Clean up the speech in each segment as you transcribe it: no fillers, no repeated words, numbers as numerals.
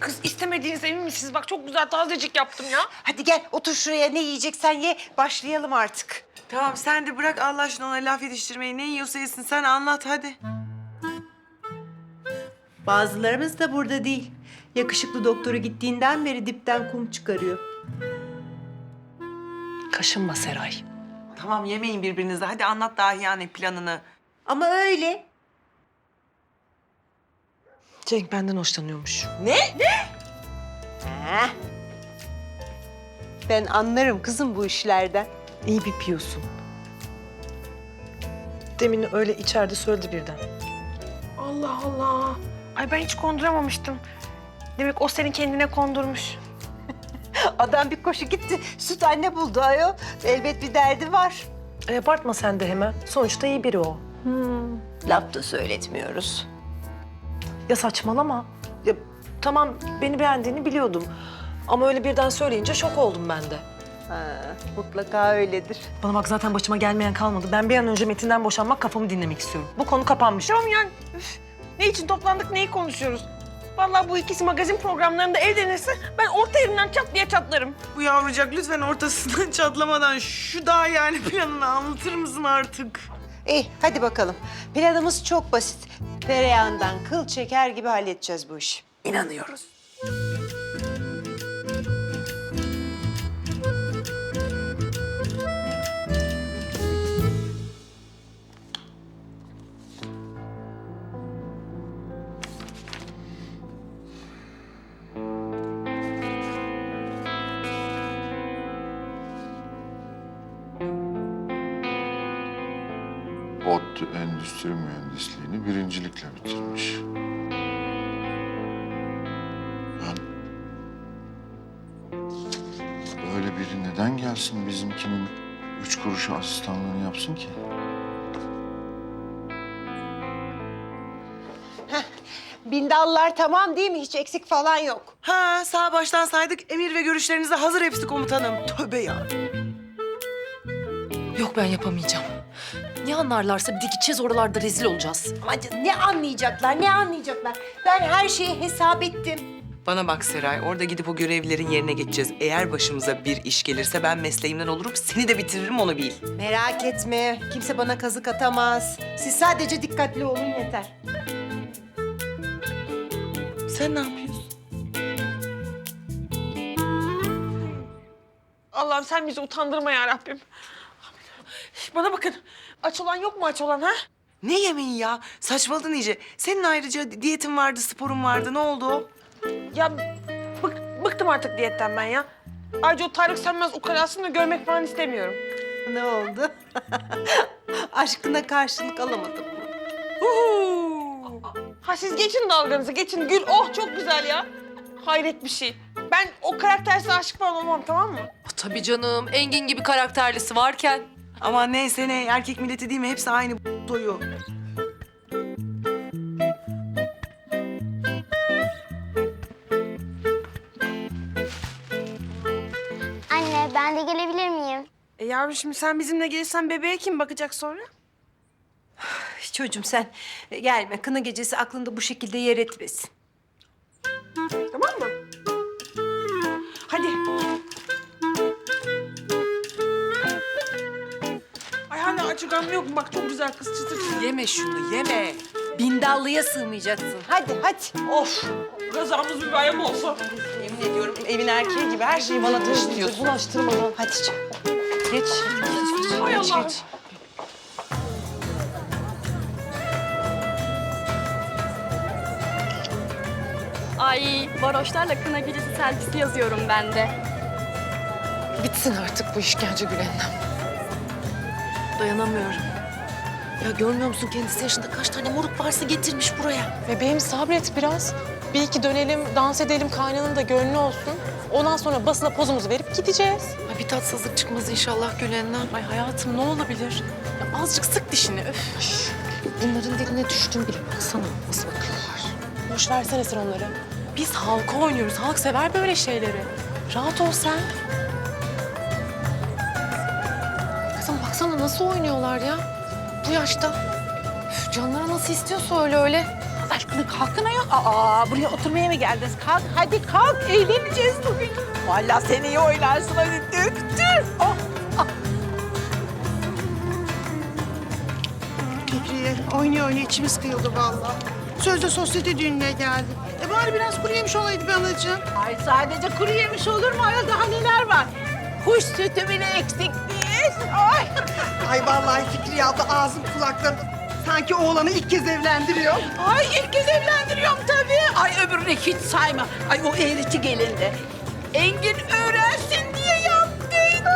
Kız istemediğiniz emin misiniz? Bak çok güzel tazecik yaptım ya. Hadi gel otur şuraya, ne yiyeceksen ye, başlayalım artık. Tamam sen de bırak Allah aşkına ona laf yetiştirmeyi. Ne yiyorsa yesin sen anlat hadi. Bazılarımız da burada değil. Yakışıklı doktoru gittiğinden beri dipten kum çıkarıyor. Kaşınma Seray. Tamam yemeyin birbirinize. Hadi anlat Dahiyane planını. Ama öyle. Cenk benden hoşlanıyormuş. Ha. Ben anlarım kızım bu işlerden. İyi bir piyosun. Demin öyle içeride söyledi birden. Allah Allah. Ay ben hiç konduramamıştım. Demek o seni kendine kondurmuş. Adam bir koşu gitti, süt anne buldu ayol. Elbet bir derdi var. Abartma sen de hemen. Sonuçta iyi biri o. Laf da söyletmiyoruz. Ya saçmalama. Ya, tamam beni beğendiğini biliyordum. Ama öyle birden söyleyince şok oldum ben de. Ha, mutlaka öyledir. Bana bak zaten başıma gelmeyen kalmadı. Ben bir an önce Metin'den boşanmak, kafamı dinlemek istiyorum. Bu konu kapanmış. Tamam yani. Üf, ne için toplandık, neyi konuşuyoruz? Vallahi bu ikisi magazin programlarında evlenirse ben orta yerinden çat diye çatlarım. Bu yavrucak lütfen ortasından çatlamadan şu Dahiyane planını anlatır mısın artık? İyi, hadi bakalım. Planımız çok basit. Tereyağından kıl çeker gibi halledeceğiz bu işi. İnanıyoruz. ODTÜ Endüstri Mühendisliğini birincilikle bitirmiş. Ben... Böyle biri neden gelsin bizimkinin 3 kuruşu asistanlığını yapsın ki? Bindallar tamam değil mi? Hiç eksik falan yok. Ha sağ baştan saydık. Emir ve görüşlerinize hazır hepsi komutanım. Tövbe ya. Yok ben yapamayacağım. Ne anlarlarsa bir de gideceğiz oralarda rezil olacağız. Ama canım, ne anlayacaklar, ne anlayacaklar? Ben her şeyi hesap ettim. Bana bak Seray, orada gidip o görevlilerin yerine geçeceğiz. Eğer başımıza bir iş gelirse ben mesleğimden olurum, seni de bitiririm onu bil. Merak etme, kimse bana kazık atamaz. Siz sadece dikkatli olun yeter. Sen ne yapıyorsun? Allah'ım sen bizi utandırma ya Rabbim. Bana bakın. Aç olan yok mu aç olan ha? Ne yemeği ya? Saçmaladın iyice. Senin ayrıca diyetin vardı, sporun vardı. Ne oldu o? Ya bıktım artık diyetten ben ya. Ayrıca o Tarık Sönmez ukalasını da görmek falan istemiyorum. Ne oldu? Aşkına karşılık alamadım mı? Ha siz geçin dalganızı, geçin. Gül, oh çok güzel ya. Hayret bir şey. Ben o karaktersiz aşık falan olmam, tamam mı? Tabii canım, Engin gibi karakterlisi varken. Ama neyse ne, erkek milleti değil mi? Hepsi aynı doyu. Anne, ben de gelebilir miyim? Yavrum şimdi sen bizimle gelirsen bebeğe kim bakacak sonra? Çocuğum sen gelme. Kına gecesi aklında bu şekilde yer etmesin. Tamam mı? Hadi. Ay hala acıgan yok mu? Bak çok güzel kız çıtır çıtır. Yeme şunu, yeme. Bindallıya sığmayacaksın. Hadi, hadi. Of! Gazamız bir bayram olsun. Yemin ediyorum evin erkeği gibi her şeyi bana taşıtıyorsun. Bulaştırma lan. Hadi canım. Geç. Hay Allah. Geç. Ay, varoşlarla kına gecesi selfisi yazıyorum ben de. Bitsin artık bu işkence Gülen'den. Dayanamıyorum. Ya görmüyor musun kendisi yaşında kaç tane moruk varsa getirmiş buraya. Bebeğim sabret biraz. Bir iki dönelim, dans edelim, kaynanın da gönlü olsun. Ondan sonra basına pozumuzu verip gideceğiz. Ay bir tatsızlık çıkmaz inşallah Gülen'den. Ay hayatım ne olabilir? Ya azıcık sık dişini. Öf. Bunların diline düştüm bile. Baksana nasıl bakıyorlar. Boş versene sen onları. Biz halka oynuyoruz. Halk sever böyle şeyleri. Rahat ol sen. Kızım baksana nasıl oynuyorlar ya. Bu yaşta. Üf, canları nasıl istiyorsa öyle öyle. aşkına kalkın ayol. Aa, buraya oturmaya mı geldiniz? Kalk, hadi kalk. Eğleneceğiz bugün. Vallahi sen iyi oynarsın. Hadi döktür. Oh, oh. Fikriye oynuyor oynuyor içimiz kıyıldı vallahi. Sözde sosyete düğününe geldik. Bari biraz kuru yemiş olaydı be anacığım. Ay sadece kuru yemiş olur mu ayol? Daha neler var? Kuş sütü bile eksik değil. Ay. Ay vallahi Fikriye abla ağzım kulaklarım. Sanki oğlanı ilk kez evlendiriyor. Ay ilk kez evlendiriyorum tabii. Ay öbürünü hiç sayma. Ay o eğriti gelindi. Engin öğrensin diye yaptıydı.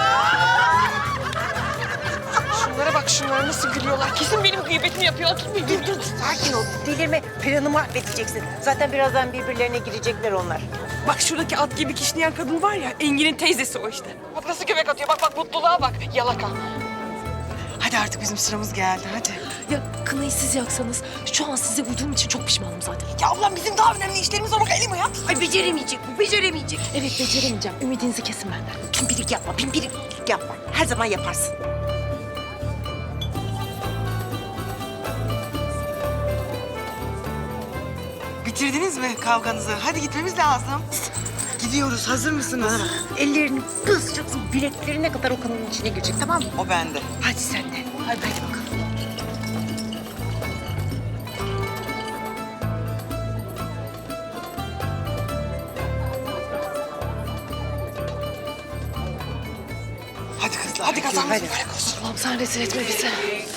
Şunlara bak, şunlara nasıl gülüyorlar. Kesin benim gıybetimi yapıyor. Oturmayın. Dur, sakin ol. Delirme. Planı mahvedeceksin. Zaten birazdan birbirlerine girecekler onlar. Bak şuradaki at gibi kişneyen kadın var ya, Engin'in teyzesi o işte. Bak nasıl göbek atıyor. Bak bak, mutluluğa bak. Yalaka. Hadi artık bizim sıramız geldi, hadi. Ya kınayı siz yaksanız şu an size uyduğum için çok pişmanım zaten. Ya ablam, bizim daha önemli işlerimiz var. Bak elim ayağım. Ay beceremeyecek bu, beceremeyecek. Evet beceremeyeceğim. Ümidinizi kesin benden. Pimpirik yapma, pimpirik yapma. Her zaman yaparsın. Bitirdiniz mi kavganızı? Hadi gitmemiz lazım. Gidiyoruz. Hazır mısınız? Ellerini kısacaksın, bileklerine kadar o kanın içine girecek, tamam mı? O bende. Hadi sen de. Hadi bakalım. Hadi kızlar. Hadi kazanmış mübarek olsun. Allah'ım sen rezil etme bizi.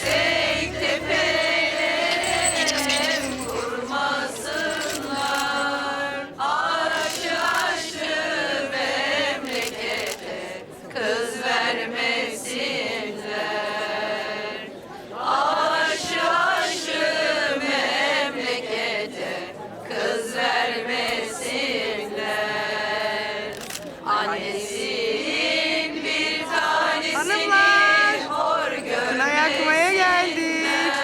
Hanımlar. Kına yakmaya geldik.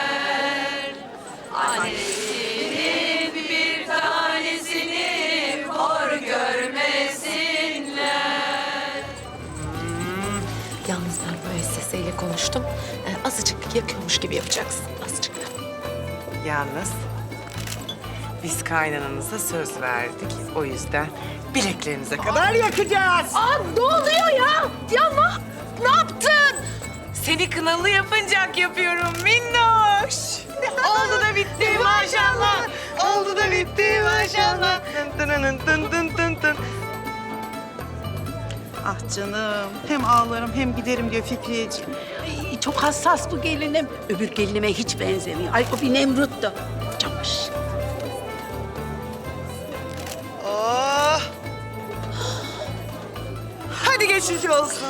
Yalnız ben müesseseyle konuştum. Azıcık yakıyormuş gibi yapacaksın. Azıcık. Yalnız biz kaynananıza söz verdik. O yüzden bileklerinize kadar yakacağız. Aa, ne oluyor ya? Ya ne yaptın? Seni kınalı yapıncak yapıyorum minnoş. Oldu da bitti maşallah. Oldu da bitti maşallah. Tın tın tın tın tın tın. Ah canım. Hem ağlarım hem giderim diyor Fikriyeciğim. Ay, çok hassas bu gelinim. Öbür gelinime hiç benzemiyor. Ay o bir Nemrut'tu. Çamaşır. Oh. Hadi geçici olsun.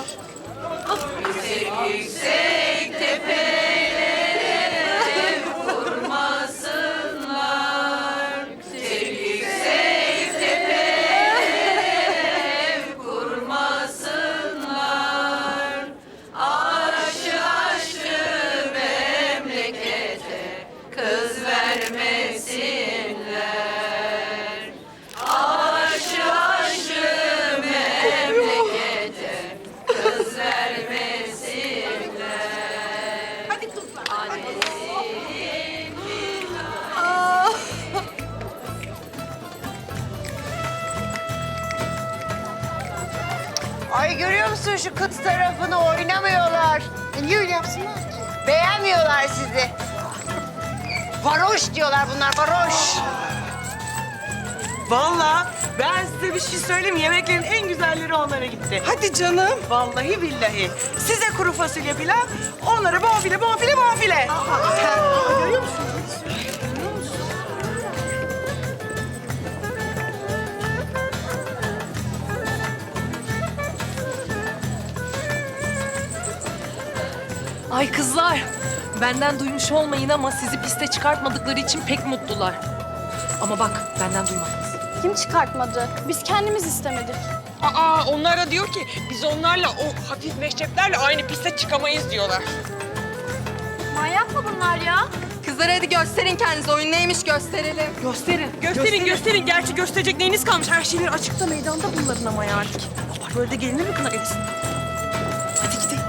Ay görüyor musun şu kız tarafını oynamıyorlar. Niye öyle yapsınlar ki? Beğenmiyorlar sizi. Varoş diyorlar bunlar, varoş. Vallahi ben size bir şey söyleyeyim. Yemeklerin en güzelleri onlara gitti. Hadi canım. Vallahi billahi. Size kuru fasulye pilav, onlara bonfile, bonfile, bonfile. Görüyor musun? Ay kızlar, benden duymuş olmayın ama sizi piste çıkartmadıkları için pek mutlular. Ama bak, benden duymadınız. Kim çıkartmadı? Biz kendimiz istemedik. Aa, onlar da diyor ki biz onlarla, o hafif meşreplerle aynı piste çıkamayız diyorlar. Manyak mı bunlar ya? Kızlar hadi gösterin kendinizi, oyun neymiş gösterelim. Gösterin. Gerçi gösterecek neyiniz kalmış? Her şeyleri açıkta meydanda bunların ama ya artık. Allah, böyle de gelinir mi kına gecesi? Hadi gidelim.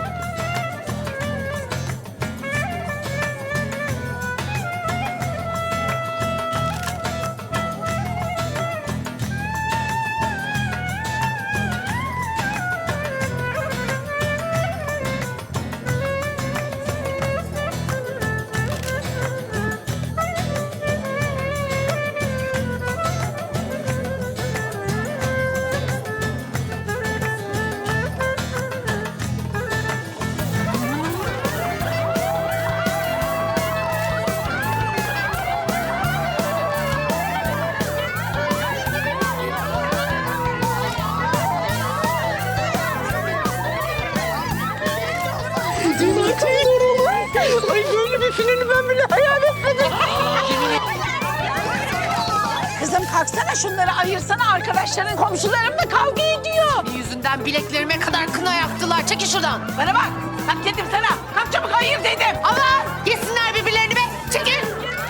baksana şunları ayırsana, arkadaşların, komşularımla kavga ediyor. Yüzünden bileklerime kadar kına yaktılar. Çekil şuradan. Bana bak, kalk dedim sana. Kalk çabuk ayır dedim. Allah! Yesinler birbirlerini be. Çekil.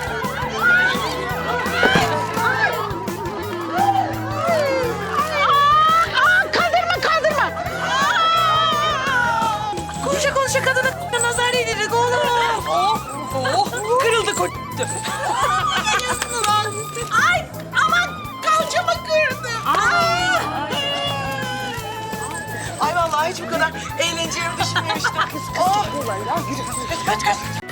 Kaldırma. Konuşa konuşa kadına nazar yedirdik oğlum. Kırıldı koç. Ay aman kalçamı kırdı. Ay vallahi hiç bu kadar eğleneceğimi düşünmemiştim. Oh. Kaç.